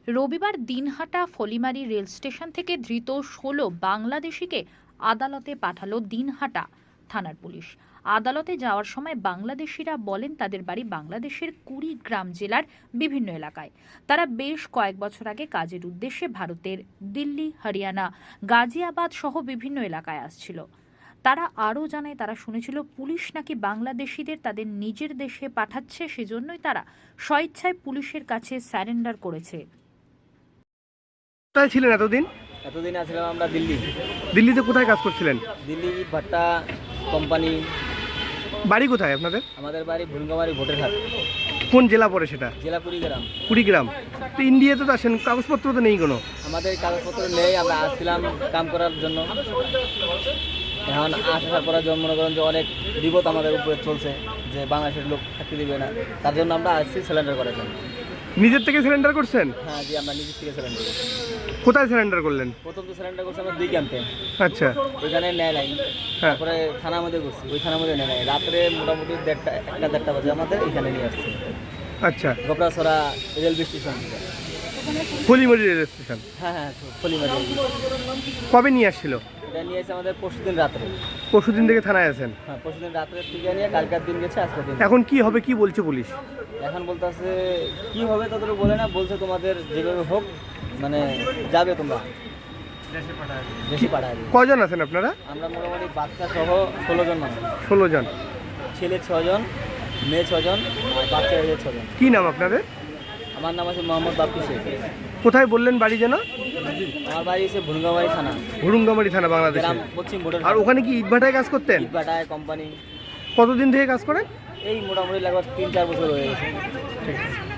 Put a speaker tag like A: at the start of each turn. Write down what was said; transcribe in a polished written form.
A: রবিবার Dinhata Falimari rail station থেকে ধৃত ১৬ বাংলাদেশিকে আদালতে পাঠালো দিনহাটা থানার পুলিশ। আদালতে যাওয়ার সময় বাংলাদেশিরা বলেন তাদের বাড়ি বাংলাদেশের কুড়িগ্রাম জেলার বিভিন্ন এলাকায়। তারা বেশ কয়েক বছর আগে কাজের উদ্দেশ্যে ভারতের দিল্লি, হরিয়ানা, গাজিয়াবাদ সহ বিভিন্ন এলাকায় আসছিল। তারা আরও জানায় তারা শুনেছিল পুলিশ নাকি বাংলাদেশিদের তাদের নিজের দেশে পাঠাচ্ছে, সেজন্যই তারা স্বেচ্ছায় পুলিশের কাছে স্যারেন্ডার করেছে।
B: কোথায় ছিলেন এতদিন?
C: এতদিন আসলাম আমরা দিল্লি।
B: দিল্লিতে কোথায় কাজ করছিলেন?
C: দিল্লি ভাট্টা কোম্পানি।
B: বাড়ি কোথায় আপনাদের?
C: আমাদের বাড়ি ভুলগামারি ভোটের হাট।
B: কোন জেলা পড়ে সেটা?
C: জেলা কুড়িগ্রাম।
B: কুড়িগ্রাম। তো ইন্ডিয়াতে তো আসেন, কাগজপত্র তো নেই কোনো?
C: আমাদের কাগজপত্র নেই, আমরা আসছিলাম কাম করার জন্য। এখন আসার পরে মনে করেন যে অনেক বিপদ আমাদের উপরে চলছে, যে বাংলাদেশের লোক থাকতে দিবে না, তার জন্য আমরা আসছি সিলিন্ডার করার জন্য।
B: নিজের থেকে সিলিন্ডার করছেন?
C: হ্যাঁ জি, আমরা নিজের থেকে সিলিন্ডার করছি।
B: কোথায় সিলিন্ডার করলেন?
C: প্রথম তো সিলিন্ডার করছি আমরা 2 ক্যাম্পে।
B: আচ্ছা।
C: ওইখানে নেয় নাই।
B: হ্যাঁ।
C: তারপরে থানার মধ্যে করছি, ওই থানার মধ্যে নেয় নাই। রাত্রে মোটামুটি 1টা বাজে আমাদের এখানে নিয়ে আসছে।
B: আচ্ছা।
C: Goprachhara railway station.
B: Folimari rail station?
C: হ্যাঁ হ্যাঁ, ফলিমারি।
B: কবে নিয়ে আসছিল?
C: এটা নিয়ে এসে আমাদের পরশুদিন রাত্রে।
B: পরশুদিন থেকে থানায় আছেন?
C: হ্যাঁ, পরশুদিন রাত্রে থেকে নিয়ে কালকের দিন গেছে, আজকের দিন।
B: এখন কি হবে, কি বলছে পুলিশ?
C: এখন বলতেছে কি হবে তাদের বলে না, বলছে তোমাদের যেভাবে হোক মানে যাবে, তোমরা দেশে পাঠাবে।
B: কজন আছেন আপনারা?
C: আমরা মোটামুটি বাচ্চা সহ 16 জন মানুষ।
B: 16 জন।
C: ছেলে 6 জন, মেয়ে 6 জন, আর বাচ্চা 6 জন।
B: কি নাম আপনাদের?
C: আমার নাম আছে মোহাম্মদ বাপ্পি শেখ।
B: কোথায় বললেন বাড়ি যেন?
C: আমার বাড়ি এসে ভুলগামারি থানা,
B: হুড়ুঙ্গামারি থানা, বাংলাদেশে।
C: গ্রাম পশ্চিম ভোটের।
B: আর ওখানে কি ইটভাটায় কাজ করতেন?
C: ইটভাটায় কোম্পানি।
B: কতদিন থেকে কাজ করেন?
C: এই মোটামুটি লাগবে 3-4 বছর হয়ে গেছে।
B: ঠিক আছে।